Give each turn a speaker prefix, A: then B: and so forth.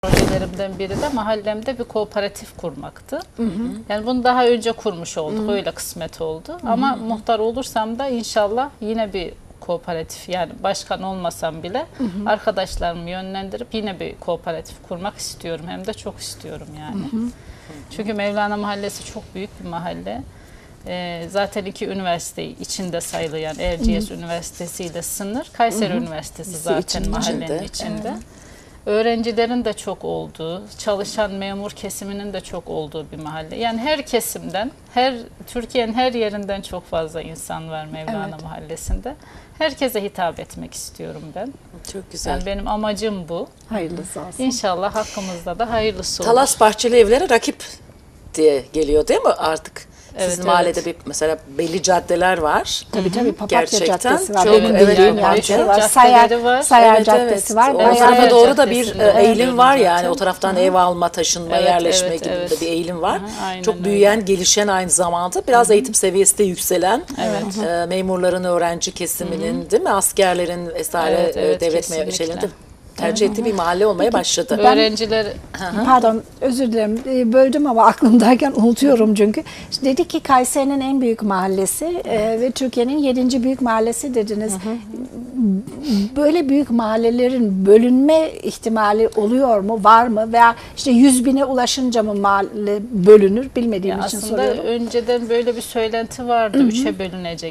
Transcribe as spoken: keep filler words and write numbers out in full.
A: projelerimden biri de mahallemde bir kooperatif kurmaktı. Hı hı. Yani bunu daha önce kurmuş olduk. Hı hı. Öyle kısmet oldu. Hı hı. Ama muhtar olursam da inşallah yine bir kooperatif, yani başkan olmasam bile hı hı. arkadaşlarımı yönlendirip yine bir kooperatif kurmak istiyorum. Hem de çok istiyorum yani. Hı hı. Çünkü Mevlana Mahallesi çok büyük bir mahalle. Ee, zaten iki üniversite içinde sayılıyor. Yani Erciyes Hı -hı. Üniversitesi ile sınır. Kayseri Hı -hı. Üniversitesi zaten için, mahallenin içinde. içinde. Evet. Öğrencilerin de çok olduğu, çalışan memur kesiminin de çok olduğu bir mahalle. Yani her kesimden, her Türkiye'nin her yerinden çok fazla insan var Mevlana evet. Mahallesi'nde. Herkese hitap etmek istiyorum ben. Çok güzel. Yani benim amacım bu.
B: Hayırlısı olsun.
A: İnşallah hakkımızda da hayırlısı olur.
C: Talas Bahçeli Evleri rakip diye geliyor değil mi artık?
A: Evet,
C: Sizin
A: evet.
C: mahallede bir mesela belli caddeler var.
B: Tabii tabii Papatya
C: Gerçekten
B: Caddesi var.
C: çok
B: Benim
C: evet,
B: bildiğim
C: evet,
B: yani.
C: var.
B: Sayar,
A: var.
B: Sayar
C: evet,
B: Caddesi
C: evet.
B: var.
C: O
B: Bayağı
C: tarafa doğru da bir
A: Caddesi'nde
C: eğilim var yani.
A: zaten.
C: O taraftan Hı -hı. ev alma, taşınma,
A: evet,
C: yerleşme
A: evet,
C: gibi
A: evet.
C: de bir eğilim var.
A: Hı,
C: çok büyüyen, öyle. gelişen aynı zamanda biraz Hı -hı. eğitim seviyesi de yükselen
A: evet.
C: e, memurların, öğrenci kesiminin Hı -hı. değil mi? Askerlerin vesaire
A: evet, evet,
C: devlet şeylerinde tercih ettiği bir mahalle olmaya
B: Peki,
C: başladı.
A: Ben, Öğrenciler...
B: Pardon özür dilerim böldüm ama aklımdayken unutuyorum çünkü. İşte dedik ki Kayseri'nin en büyük mahallesi e, ve Türkiye'nin yedinci büyük mahallesi dediniz. Hı hı. Böyle büyük mahallelerin bölünme ihtimali oluyor mu, var mı? Veya işte yüz bine ulaşınca mı mahalle bölünür bilmediğim
A: ya
B: için
A: aslında
B: soruyorum.
A: Aslında önceden böyle bir söylenti vardı. Hı hı. Üçe bölünecek